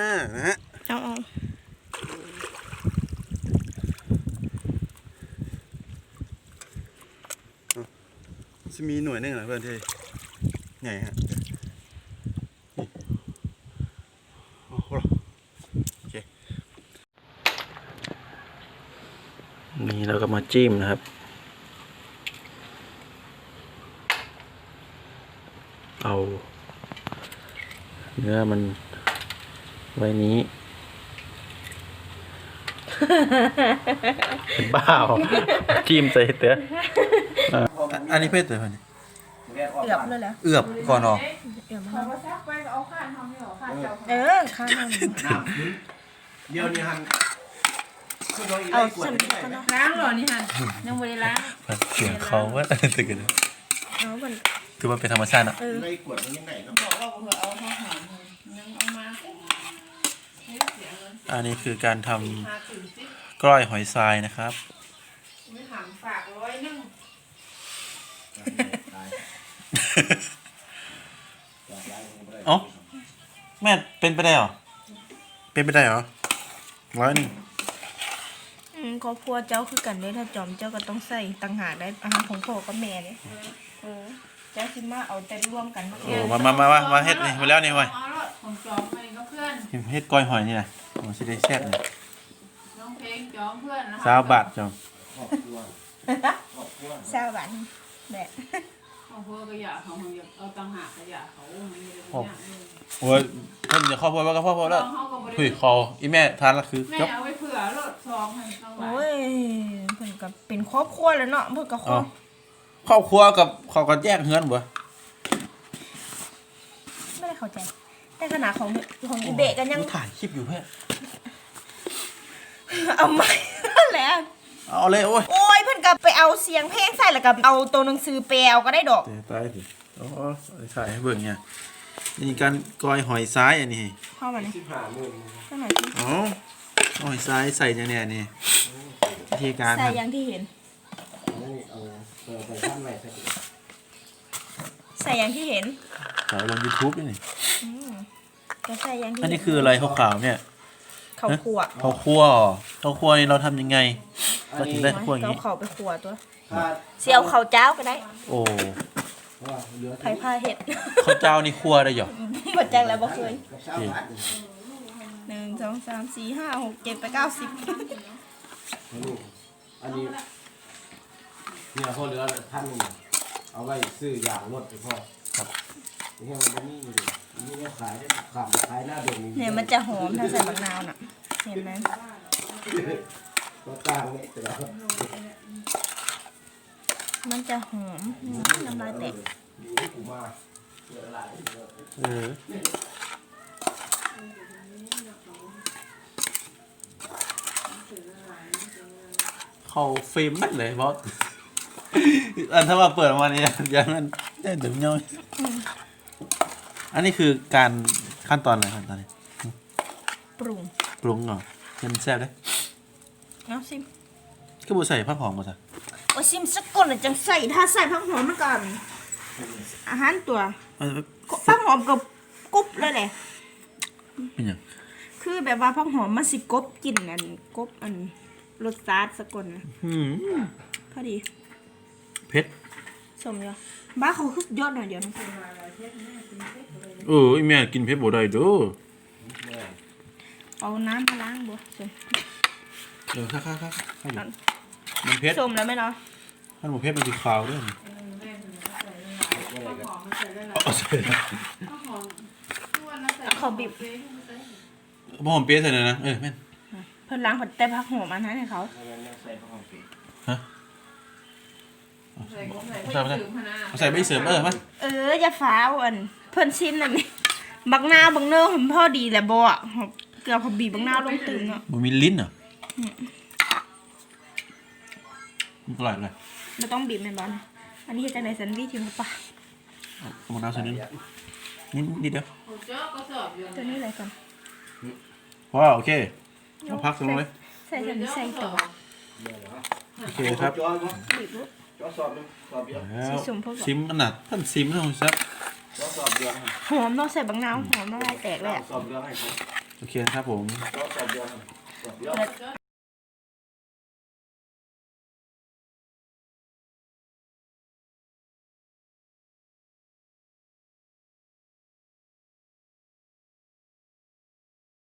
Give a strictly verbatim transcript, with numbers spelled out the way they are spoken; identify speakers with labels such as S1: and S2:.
S1: นะฮะ
S2: เอาเอา
S1: จะมีหน่วยหนึ่งเหรอเพื่อนที่ไงฮะโอ้โหโอเคนี่เราก็มาจิ้มนะครับเอาเนื้อมันไว้นี้เป็นบ้าจิ้มใส่เต๋ออันนี้เพื่อนเต๋อคนนี้
S2: เอือบเลยเหรอ
S1: เอือบก่อนออก
S2: เอือบ
S3: เขาก็ซักไปเอาข้านทำให้หรอข้านเจ้า
S2: เออข้างนั้น
S4: เดี๋ยวนี้ฮัน
S2: เอาสัมผัสเนาะ
S3: ล้างหรอนี่ฮะยังไม่ได้ล้าง
S1: เสียงเขาว่าตึกกัน
S2: เอามัน
S1: คือมันเป็นธรรมชาติอ่ะ
S2: เออ
S4: ในกวดมันยังไงเนาะ
S3: บอกว่าเผื่อเอาข้าวหอมยังเอามาไม่เสียเลย
S1: อันนี้คือการทำ
S3: มาถึงสิ
S1: กล้อยหอยทรายนะครับ
S3: ไม่หันฝากร้อยนึง
S1: เอ้าแม่เป็นไปได้เหรอเป็นไปได้เหรอร้อยหนึ่ง
S2: อืมครอบครัวเจ้าคือกันเลยถ้าจอมเจ้าก็ต้องใส่ต่างหากได้อาหารของพ่อกับแม่เนี่ยเออเจ้าสิมาเอาแต่ร่วมกัน
S1: โอ้มามามามามาเฮ็ดนี่มาแล้วนี่เว้ย
S3: ของจอมไปก็เพื่อน
S1: เฮ็ดกล้อยหอยนี่นะโอ้สิได้แซ่บเลย
S3: น้องเพลงจอมเพื่อนนะ
S1: สาวบาทจ้ะ
S4: ครอบครัวครอบครัว
S2: สาวบันแบบ
S3: ของเพื่อนก็อยากเขาอยากเอาตังหากก็อยากเขาไม่ได้
S1: โอ้ยเพิ่นจะครอบครัวว่าก็ครอบครัวแล้วเฮ้ยคออีแม่ทานละคือ
S3: แม่
S1: จบ
S3: เอาไว้เผื่อรถซองให้ต้องไว้
S2: โอ้ยเพิ่นก็เป็นครอบครัวแล้วเนาะเพิ่นก็คร
S1: อ๋
S2: อ
S1: อบ ครอบครัวกับเขาก็แยกเฮือนบ่
S2: ไม่ได้เข้าใจแต่ขนาดของของอีเบะกันยัง
S1: ถ่ายคลิปอยู่เพื่อน
S2: เอาไม่แล้ว
S1: เอาเลยโอ้ย
S2: โอ้ยเพิ่นก็ไปเอาเสียงเพลงใส่แล้วก็เอาตัวหนังสือแปลเอาก็ได้ดอก
S1: เตะตายสิโอ้ถ่ายให้เบิ่งเนี่ยนี่การกล้อยหอยซ้ายอันนี้
S2: เข้ามานี่
S4: สิบห้าหมื่น
S2: เท่าไหร่สิ
S1: อ๋อหอยซ้ายใส่ยังเนี่ยนี่วิธีการ
S2: ใส่
S1: ทำ
S2: อย่างที่เห็น
S4: นี่เอาเปิดไปท่านไหนสัก
S2: ใส่อย่างที่เห็น
S1: ขายลง YouTube ด้วยนี่
S2: อืมก็ใส่อย่างที่
S1: อันนี้คืออะไรขาวๆเนี่ย
S2: เขาขวด
S1: ข้าวคั่วข้าวคั่วนี่เราทำยังไงเราถึงได้ข้าวคั่วอย่าง
S2: เอา
S1: นี้
S2: เขาไปขวดตัว
S4: ถ้า
S2: เสียวเขาเจ้าก็ได้
S1: โอ้
S4: ว่าเหลือ
S2: ไผ่ผ้าเห็ด
S1: ข้าวเจ้านี่คั่วได้เหรอ
S2: หมดจังแล้วบ่เคย
S4: กับชาวบ้าน
S2: หนึ่งสองสามสี่ห้าหกเจ็ดแปดเก้าสิบ
S4: อันนี้เนี่ยพอเหลือท่านนึงเอาไว้ซื้อยางรถไปพ่อครับนี่มันนี่อยู่นี่เนี่ยขายได้ขายขายหน้าดง
S2: เนี่ยมันจะหอมถ้าใส่มะนาวน่ะเห็นไหม
S4: ก็ต่างเนี่ยแต่ละ
S2: มันจะหอมอืมน้ำลายแตก
S4: ดีกูมาเจออะไร
S1: เออเข้าเฟรมมัดเลยบอสอันถ้ามาเปิดออกมาเนี่ยอย่างนั้นได้เดี๋ยวย่อยอันนี้คือการขั้นตอนอะไรขั้นตอนนี้
S2: ปรุง
S1: ปรุงเหรอยังแซ่บเลย
S2: เอาซิม
S1: ก็บูใส่ผักหอมมาซะ
S2: โอ้ซิมสักก่อนน่ะจังใส่ถ้าใส่ผักหอมมันก่อนอาหารตัว
S1: เอาไป
S2: ผักหอมกับกรุบเลยแหละ
S1: เป็นยัง
S2: คือแบบว่าผักหอมมันสิกบกลิ่นอันกบอันรสชาติสักก่อนนะ
S1: อืม
S2: พอดี
S1: เผ็ด
S2: สมเดียวบ้าเขาคือยอดหน่อยเดียวนะ
S1: เออไอแม่กินเผ็ดบ่ได้เด้อ
S2: เอาน้ำมาล้างบ่สม
S1: เออค่ะค่ะค่ะมันเผ็ด
S2: สมแล้วไหมเนาะ
S1: ท่านบ่เผ็ดมันสิขาวเด้อ
S3: ข้าวหอมมันใส่ได้แล้ว
S1: เอาใส่
S3: ข้าวหอมทุกวันนะใส่
S2: เขาบีบ
S1: บ่หอมเปี๊ยะใส่เลยนะเออแม่น
S2: เพิ่นล้างผัดแต่ผักหอมอันนั้นให้เขา
S4: ใส่ผ้าห่มปี
S1: ฮะ
S3: ใส่ก็ใส่ใส่พนา
S1: เอาใส่ใบเสริมเออมา
S2: เอออย่าฟ้าวอันเพิ่นชิมน่ะนี่บักนาวบักเนอผมพอดีแหละบ่อ่ะเกือบพอบีบบักนาวลงตึงอ่ะ
S1: บ่มีลิ้นเหรอมันอร่อยเลย
S2: เราต้องบีบแม่นบ่นะอันนี้เฮ็ดจังได๋สันวิธีมันปะ
S1: เอามะนาวใส่นิดนิดนิดเดียว
S3: ผมเจาะก็สอบอยู่
S2: ตัวนี้อะไรก่อน
S1: ว้าวโอเคเอาพักลงเลย
S2: ใส่ใส่ใส่ตัว
S1: โอเคครับ
S4: จอยมั้ง
S2: บีบลูก
S4: จอสอบนึงสอบเดียว
S1: แล้ว
S2: สีส้มพวก
S1: ซิมอันน่ะท่านซิมท่านซับ
S4: จอสอบเดียว
S2: หอมเนาะใส่บักนาวหอมละลายแตกเลยอะ
S4: สอบเดียวให้เขา
S1: โอเคนะครับผม
S4: ก็สอบเดียวสอบเดียว
S2: เปิด